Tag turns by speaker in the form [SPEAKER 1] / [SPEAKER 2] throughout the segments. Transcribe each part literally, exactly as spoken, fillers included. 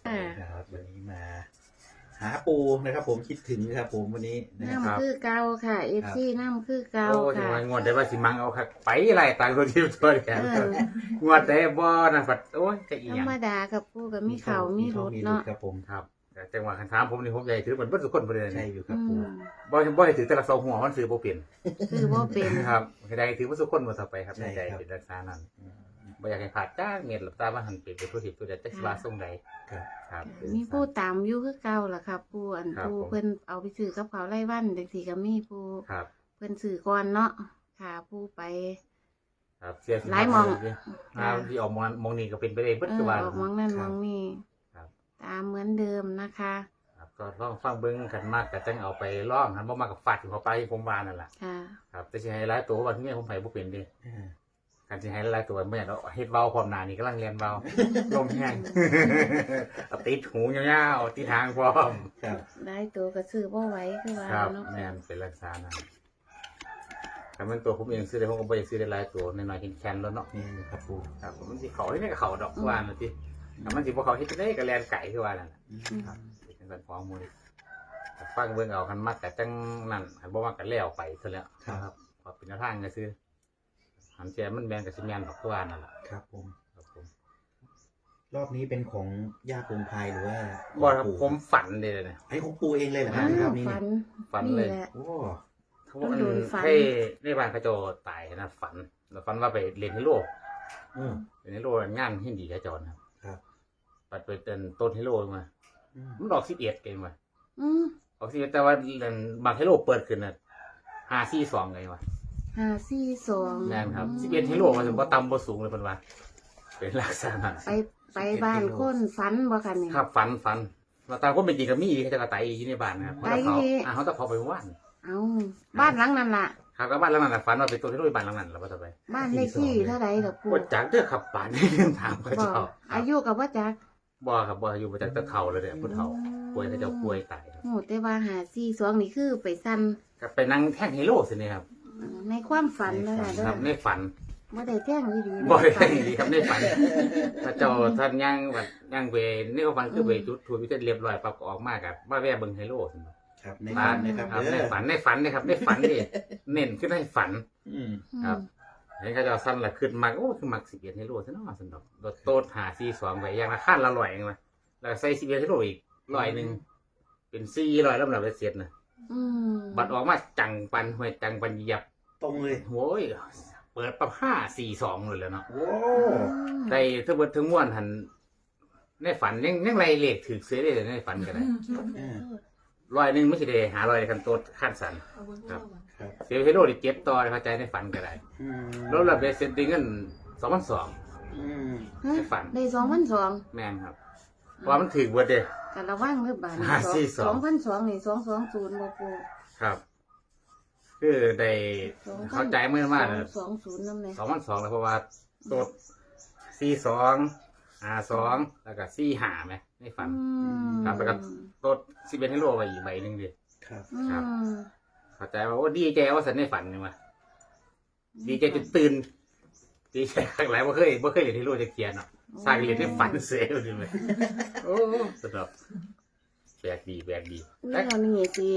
[SPEAKER 1] ครับวันนี้มา หาปูนะครับผมคิดถึงครับผมวันนี้นะครับ
[SPEAKER 2] น้ำคือเก่าค่ะเอฟซีน้ำคือเก่า
[SPEAKER 3] โอ้จัง
[SPEAKER 2] ค่ะ
[SPEAKER 3] หวะงวดได้ว่าสิมังเอาคักไปไรต่างคนที่ตัวแขน
[SPEAKER 2] เออ
[SPEAKER 3] งวดได้บ่นะปัดโอ้ยจะอี
[SPEAKER 2] ธ
[SPEAKER 3] ห
[SPEAKER 2] ร
[SPEAKER 3] ยัง
[SPEAKER 2] รมดากับปูกับมีเขามีรถ
[SPEAKER 1] มี
[SPEAKER 2] เนาะ
[SPEAKER 1] ครับผม
[SPEAKER 3] ครับแต่จังหวะคันถามผมนี่ผมใหญ่ถือเหมือนเบิดทุกคนบ่ได้
[SPEAKER 1] ใช่
[SPEAKER 3] นี่
[SPEAKER 1] อยู่ครั
[SPEAKER 2] อื
[SPEAKER 1] บปู
[SPEAKER 2] ม
[SPEAKER 3] บ่บ่ให้ถือแต่ละเสาหัวมันซื้อบ่เปลี่ยน
[SPEAKER 2] คือว่าเป็น
[SPEAKER 3] ครับให้ได้ถือว่าทุกคนบ่ต่อไปครับในใจเป็นรักษานั้นบ่อยากให้ขาดจ้างเม็ดหลับตาว่าหันเป็นเป็นผู้ผิดผู้ใดจักสิว่าส่งใด
[SPEAKER 1] ครับ
[SPEAKER 3] ครับ
[SPEAKER 2] มีผู้ตามอยู่คือเก่าล่ะครับปูอัน
[SPEAKER 3] ครับ
[SPEAKER 2] ปู
[SPEAKER 3] ผม
[SPEAKER 2] เพิ่นเอาไปซื้อกับเขาวไล่วันเด็กสีก็มีปู
[SPEAKER 3] ครับ
[SPEAKER 2] เพิ่นซื้อก่อนเนาะค่ะปูไป
[SPEAKER 3] ครับเสียสิ
[SPEAKER 2] หลายหม่อง
[SPEAKER 3] อ่าที่ออกมามองนี่ก็เป็นไปได้เบิด
[SPEAKER 2] เอ
[SPEAKER 3] คือ
[SPEAKER 2] อ
[SPEAKER 3] ว่า
[SPEAKER 2] ออกมองนั่นมองนี่
[SPEAKER 3] ครับ
[SPEAKER 2] ตามเหมือนเดิมนะคะ
[SPEAKER 3] ครับก็ลองฟังเบิ้งกันมากก็จังเอาไปล่องหันบ่มากกับฟาดอยู่เข้าไปผมว่านั่นแหละ
[SPEAKER 2] ค่ะ
[SPEAKER 3] ครับแต่สิให้หลายตัวว่าที่นี่ผมไผบ่เป็นเดิ
[SPEAKER 1] อ่า
[SPEAKER 3] การสิให้หลายตัวบ่อยากเอาเฮ็ดเว้าพร้อมหน้านี่กำลังเรียนเว้า ลมแห้ง เอาติดหูยาวๆติดทางพร้อม
[SPEAKER 1] ครับ
[SPEAKER 2] ได้ตัวก็ซื้อบ่ไหว้คือว่า
[SPEAKER 3] ครับ
[SPEAKER 2] เนาะ
[SPEAKER 3] แม่นเป็นรักษานั่นแต่มันตัวผมเองซื้อได้ผมก็บ่อยากซื้อได้หลายตัวน้อยๆแข็งๆแล้วเนาะ
[SPEAKER 1] นี่ครับปู
[SPEAKER 3] ครับมันสิเขาที่นี่ก็เขาดอกว่านั่นติถ้ามันสิบ่เขาเฮ็ดจังได๋ก็แล่นไก่คือว่านั่นน่ะ
[SPEAKER 1] อืม
[SPEAKER 3] ครับเป็นจังซั่นของมื้อแต่ฟังเบิ่งเอาคันมักก็จังนั่นคันบ่มักก็แล้วไปซะแล้วครับพอเป็นแนวทางก็ซื้อหันแจมันแม่นก็สิแม่นดอกคือว่านั่นล่ะ
[SPEAKER 1] ครับผม
[SPEAKER 3] ครับผม
[SPEAKER 1] รอบนี้เป็นของย่าปูพายหรือว่า
[SPEAKER 3] บ่ครับ
[SPEAKER 1] ของ
[SPEAKER 3] ผ
[SPEAKER 1] ปู่
[SPEAKER 3] มฝันเด้เนี่ย
[SPEAKER 1] ไอ้ของปูเองเลยเหรอค
[SPEAKER 2] อ้า
[SPEAKER 1] รับรอ
[SPEAKER 2] ว
[SPEAKER 1] บนี้
[SPEAKER 2] ฝั
[SPEAKER 1] เนี่ย
[SPEAKER 2] น
[SPEAKER 3] ฝันเลย
[SPEAKER 2] แหละ
[SPEAKER 1] โอ้
[SPEAKER 3] เขาบอก
[SPEAKER 2] ต้องโดนฝัน
[SPEAKER 3] ให้ในบ้านเขาเจ้าตายนะฝันแล้วฝันว่าไปเรียนฮิโร่
[SPEAKER 1] อืม
[SPEAKER 3] เรียนฮิโร่งานหินดีเขาเจ้านะครับ
[SPEAKER 1] ครับ
[SPEAKER 3] ปัดไปเต้นต้นฮิโร่มา
[SPEAKER 1] อืม
[SPEAKER 3] มันดอกสิบเอ็ดเองว่ะ
[SPEAKER 2] อืม
[SPEAKER 3] ออกสิบเอ็ดแต่ว่าเรียนบางฮิโร่เปิดขึ้นน่ะห้าสี่สองไงวะ
[SPEAKER 2] ห้าสี่สอง
[SPEAKER 3] แม่นครับสิบเอ็ดฮิโร่มันถึงว่าต่ำบ่สูงเลยเพิ่นว่าเป็นลักษณะ
[SPEAKER 2] ไปไปบ้านคนฝันบ่กันนี่
[SPEAKER 3] ครับฝันฝันเราตามคนเป็นจริงก็มีเขาจะกระไตอยู่ในบ้านนะครับเขาจะเขา
[SPEAKER 2] ไตอีก
[SPEAKER 3] อ่าเขาจะพอไปว่าน
[SPEAKER 2] เอาบ้านหลังนั้นล่ะ
[SPEAKER 3] ครับก็บ้านหลังนั้นน่ะฝันว่าเป็นตัวที่รู้บ้านหลังนั้นแล้วว่าจะไป
[SPEAKER 2] บ้านเลขที่เท่าไรกับปู
[SPEAKER 3] ว่าจากเด้อขับป่านนี่เรื่องถามเขา
[SPEAKER 2] บอ
[SPEAKER 3] เจ้าก
[SPEAKER 2] อายุกับว่าจัก
[SPEAKER 3] บ่ครับบ่อยู่มาจากตะเฒ่าเลยเนี่ยผู้เฒ่าป่วยเขาเจะป่วยตายครับ
[SPEAKER 2] โอ้แต่ว่าหาสี่สองนี่คือไปสั้น
[SPEAKER 3] ก็ไปนั่งแท่งฮีโร่สิเนี่ยครับ
[SPEAKER 2] ในความฝันเลยค่ะเด้
[SPEAKER 3] ค
[SPEAKER 2] อ
[SPEAKER 3] รับในฝัน
[SPEAKER 2] บ่ได้แจ้งดีดี
[SPEAKER 3] บ่ได้ดีครับในฝันพระเจ้าท่านย่างแบบย่างไปในความฝันคือไปจุดทูบวิเศษเรียบร้อยปั๊บก็ออกมากับมาแว่เบิ่งฮีโร่สิ
[SPEAKER 1] ครับในฝันนะครับ
[SPEAKER 3] ครับ
[SPEAKER 1] เด้
[SPEAKER 3] ใน
[SPEAKER 1] อ
[SPEAKER 3] ฝันในฝันนะครับในฝันนี่เน้นขึ้นในฝัน
[SPEAKER 1] อืม
[SPEAKER 3] ครับ เห็นเขาเจะสั้นละขึ้นมักโอ้คือมักสิบเอ็ดฮีโร่ซะเนาะสนดอกโดดโตดหาซีสองไปอย่างละขั้นละร้อยเองมาแล้วใส่สิบเอ็ดฮีโร่อีกร้อยหนึ่งเป็นสี่ร้อยแล้วมันเอาไปเสียดนะ
[SPEAKER 2] อืม
[SPEAKER 3] บัตรออกมาจังปันห้วยจังปันเหยียบ
[SPEAKER 1] ตรงเลย
[SPEAKER 3] โว้ยเปิดปั๊บห้าสี่สองเลยแล้วเนาะ
[SPEAKER 1] โอ้
[SPEAKER 3] ได้ทั้งหมดทั้งมวลหันในฝันยังยังไรเลขถือเสียได้ในฝันกันเลย
[SPEAKER 1] อ่า
[SPEAKER 3] ร้อยหนึ่งไม่ใช่ได้หาร้อยคันโตดขั้นสัน ครับ
[SPEAKER 1] ครับ
[SPEAKER 3] เสียฮีโร่ดิเก็บต่อเข้าใจในฝันก็ได้
[SPEAKER 1] อืม
[SPEAKER 3] แล้วเราไปเซ็นติ้งเงินสองพันสอง
[SPEAKER 1] อืม
[SPEAKER 2] ฮะ
[SPEAKER 3] ในฝัน
[SPEAKER 2] ได้สองพันสอง
[SPEAKER 3] แม่นครับเพราะว่ามันถือเบิดเด้
[SPEAKER 2] กันระวังเด้อบาท
[SPEAKER 3] ห้าสี่สอง
[SPEAKER 2] สองพันสองนี่สองสองศูนย์บ่ปู
[SPEAKER 3] ครับ คือได้เข้าใจเมื่อมากเลย
[SPEAKER 2] สองศูนย์นั่นเลย
[SPEAKER 3] สองพันสองแล้วเพราะว่าตัวสี่สองห้าสองแล้วก็สี่หาไหมในฝัน ครับแล้วก็ ตัวสิบเอ็ดให้โลไปอีกใบหนึ่งดิ
[SPEAKER 1] ครับ
[SPEAKER 2] อืม
[SPEAKER 3] ครับ เข้าใจว่าโอ้ดีใจว่าสันในฝันนี่มาดีใจจนตื่นดีใจครั้งหลายว่าเคยว่าเคยเรียนที่โลจะเขียนเนาะสร้างเรียนในฝันเสียเลยเลยโอ้สนุกแปลกดีแปลกดี
[SPEAKER 2] แล้
[SPEAKER 3] แต่
[SPEAKER 2] วนี่สิ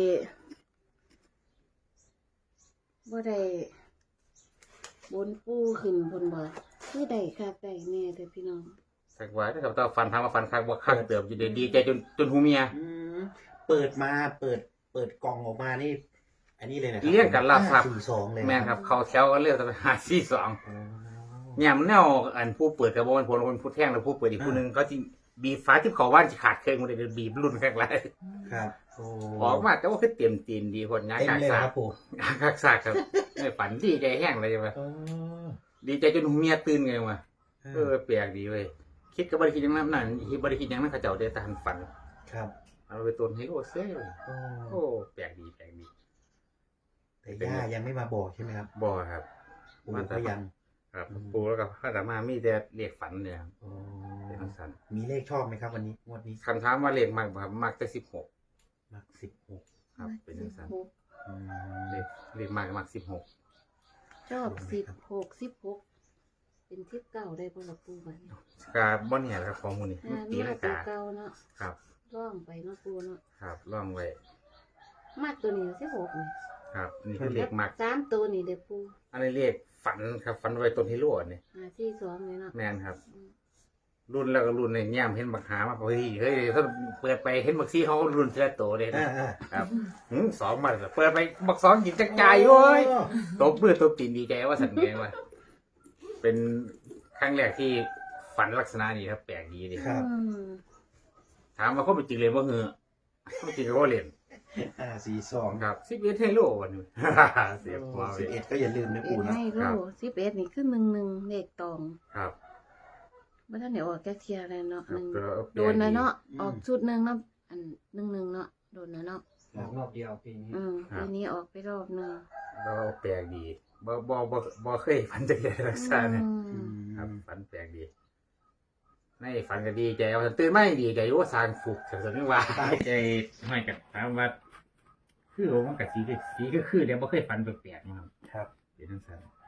[SPEAKER 2] บ่ได้บนปูขึ้นบนบ่คือได้ค่ะได้แน่เด้อพี่น้อง
[SPEAKER 3] สักไว้นะครับแต่ฟันทำมาฟันคักว่าคักเติมอยู่ดีดีใจจนจนหูเมีย
[SPEAKER 1] อืมเปิดมาเปิด เปิดกล่องออกมานี่ อันนี้เลยนะครั
[SPEAKER 3] เรียกกันลาบครับ
[SPEAKER 1] สี่สองเลย
[SPEAKER 3] แม่นครับ เขาแถวกันเรียกจะไปหาซี่สอง
[SPEAKER 1] โอ้
[SPEAKER 3] เนี่ยมันแนวอันผู้เปิดกระบอกคนคนผู้แท่งแล้วผู้เปิดอีกผู้หนึงเขาจริงบีบฟ้าที่เขาว่านจะขาดเครื่องมันเลยบีบรุ่นแค่ไร
[SPEAKER 1] ครับโอ้
[SPEAKER 3] ออกมาแต่ว่าคือเต็มตีนดีคนงาน
[SPEAKER 1] เต็ม
[SPEAKER 3] กาก
[SPEAKER 1] เลย
[SPEAKER 3] สา
[SPEAKER 1] ค
[SPEAKER 3] ก
[SPEAKER 1] รับปู่
[SPEAKER 3] งานกากสากครับไม่ฝันดีใจแห้งเลยใช่ไหม
[SPEAKER 1] อ๋อ
[SPEAKER 3] ดีใจจนหูเมียตื่นไงวะเอ
[SPEAKER 1] เอ
[SPEAKER 3] อ
[SPEAKER 1] อ
[SPEAKER 3] แปลกดีเว้ยคิดกับบริคิดอย่างนั้นนั่นคิดบริคิดอย่างนั้นเขาเจ้าได้ตามฝัน
[SPEAKER 1] ครับ
[SPEAKER 3] เอาไปต้นให้โอ้เซ่
[SPEAKER 1] โอ้
[SPEAKER 3] โอ้แปลกดีแปลกดี
[SPEAKER 1] แต่ย่ายังไม่มาบอกใช่ไหมครับ
[SPEAKER 3] บ่ครับ
[SPEAKER 1] ปู่ก็ยัง
[SPEAKER 3] ครับปูแล้วก็ข้าแต่มามีแต่เรียกฝันเนี่ยครับ
[SPEAKER 1] โอ้
[SPEAKER 3] เป็นทังสัน
[SPEAKER 1] มีเลขชอบไหมครับ วันนี้งวดนี้
[SPEAKER 3] คำถามว่าเรียกมากบ่ครับมากแต่สิบหก
[SPEAKER 1] มักสิบหก
[SPEAKER 3] ครับ เป็นทังสัน
[SPEAKER 2] หก
[SPEAKER 1] อืม
[SPEAKER 3] เรียกเรียกมากก็มากสิบหก
[SPEAKER 2] ชอบสิบหกสิบหกเป็นทิพเก่าได้บ่ล่ะปูบัดนี้
[SPEAKER 3] กาบ่เนี่ยครับของมูนี่
[SPEAKER 2] อ่า
[SPEAKER 3] ตี
[SPEAKER 2] นี่
[SPEAKER 3] ลัง
[SPEAKER 2] ตัว
[SPEAKER 3] กา
[SPEAKER 2] เก่าเนาะ
[SPEAKER 3] ครับ
[SPEAKER 2] ร่องไปเนาะปูเนาะ
[SPEAKER 3] ครับล่องไว้
[SPEAKER 2] มากตัวนี้สิบหกนี่
[SPEAKER 3] ครับ นี่คือเลขมัก
[SPEAKER 2] สามตัวนี่เด้อปู
[SPEAKER 3] อันนี้เลขฝันครับฝันไว้ต้นฮิโร่นี่
[SPEAKER 2] ห้าสี่สองเลยเนาะ
[SPEAKER 3] แม่นครับ รุ่นแล้วก็รุ่นในแง้มเห็นบักหามาเฮ้ยเฮ้ยถ้าเปิดไปเห็นบักซี่เขารุ่นเสื้อโตเลย
[SPEAKER 1] อ่า
[SPEAKER 3] นะ
[SPEAKER 1] อ่า
[SPEAKER 3] ครับหืมสองมาเปิดไปบักสองกินจักจ่ายโว้ยตบมือตบตีนดีใจว่าสันไงว่าเป็นครั้งแรกที่ฝันลักษณะนี้ครับแปลกดีดิ
[SPEAKER 1] ครับ
[SPEAKER 2] อืม
[SPEAKER 3] ถามว่าเขาเป็นจริงเลยว่าเหอะเขาเป็นจริงก็ว่าเล่น
[SPEAKER 1] อ่าสี่สอง
[SPEAKER 3] ครับสิบเอ็ดเฮโลวันนี้ เสียบมา
[SPEAKER 1] สิบ
[SPEAKER 3] เล
[SPEAKER 1] เอ็
[SPEAKER 3] ย
[SPEAKER 1] ดก็อย่าลืมนะ
[SPEAKER 2] เอ็
[SPEAKER 1] ปู
[SPEAKER 2] ด
[SPEAKER 1] นะ
[SPEAKER 2] ให้โล
[SPEAKER 3] ครับ
[SPEAKER 2] สิบเอ็ดนี่คือหนึ่งหนึ่งเลขตอง
[SPEAKER 3] ครับ
[SPEAKER 2] บ่ทันได้ออกแค่เทียร์เลยเนาะ
[SPEAKER 3] ครั
[SPEAKER 2] ห
[SPEAKER 3] บ
[SPEAKER 2] นึ่ง
[SPEAKER 3] ก็แปลก
[SPEAKER 2] โดนนะเนาะออกชุดหนึ่งเนาะอันหนึ่งหนึ่งเนาะโดนนะเนาะ
[SPEAKER 4] ออกรอบเดียวปีนี้
[SPEAKER 2] อืมปีนี้ออกไปรอบหนึ่ง
[SPEAKER 3] ก็แปลกดีบ่บ่บ่บ่เคยฝันจะเกิดลักษณะนี้
[SPEAKER 2] อืม
[SPEAKER 3] ครับฝันแปลกดีในฝันก็ดีใจว่าตื่นมาดีใจว่าสร้างฟุกแต่สนึกว่าใจไม่กันถามว่าคือว่ามันกับสีก็สีก็คือเดี๋ยวบ่เคยฝันแปลกๆนะครับ
[SPEAKER 1] ครับ
[SPEAKER 3] เป็นทั้งสั้น